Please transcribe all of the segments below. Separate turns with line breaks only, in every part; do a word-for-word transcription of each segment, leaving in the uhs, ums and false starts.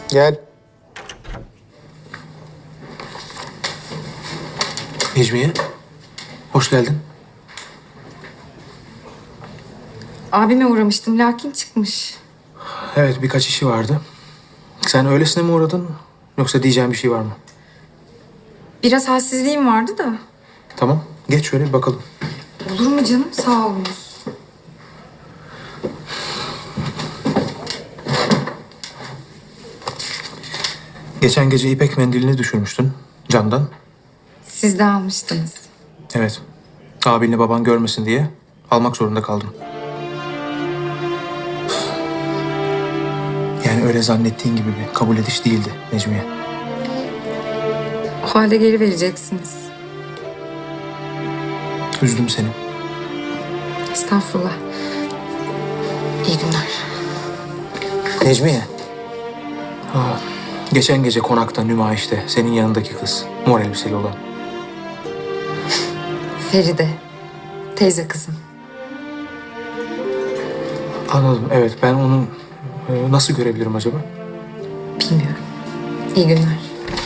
Gel. Necmiye, hoş geldin.
Abime uğramıştım lakin çıkmış.
Evet, birkaç işi vardı. Sen öylesine mi uğradın yoksa diyeceğin bir şey var mı?
Biraz halsizliğim vardı da.
Tamam, geç şöyle bir bakalım.
Olur mu canım? Sağ olunuz.
Geçen gece ipek mendilini düşürmüştün camdan.
Siz de almıştınız.
Evet, abinle baban görmesin diye almak zorunda kaldım. Yani öyle zannettiğin gibi bir kabul ediş değildi Necmiye.
O halde geri vereceksiniz.
Üzdüm seni.
Estağfurullah. İyi günler.
Necmiye. Aa, geçen gece konakta, nümayişte senin yanındaki kız. Mor elbiseli olan.
Feride. Teyze kızım.
Anladım, evet. Ben onu e, nasıl görebilirim acaba?
Bilmiyorum. İyi günler.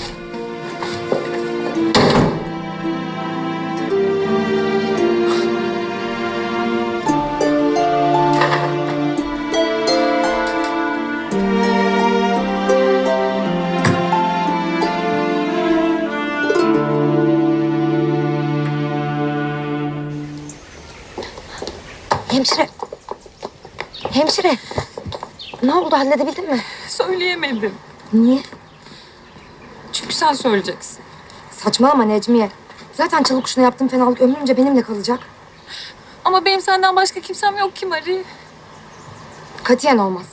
Hemşire. Hemşire. Ne oldu, halledebildin mi?
Söyleyemedim.
Niye?
Çünkü sen söyleyeceksin.
Saçmalama Necmiye. Zaten çalı kuşuna yaptığım fenalık ömrünce benimle kalacak.
Ama benim senden başka kimsem yok ki Mari.
Katiyen olmaz.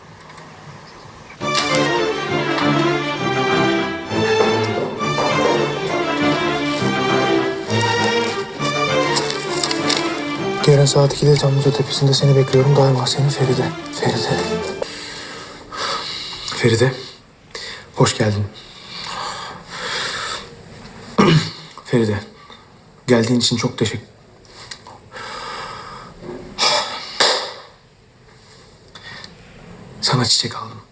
Yarın saat ikide Çamlıca Tepesi'nde seni bekliyorum. Daima seni Feride. Feride. Feride. Hoş geldin. Feride. Geldiğin için çok teşekkür... Sana çiçek aldım.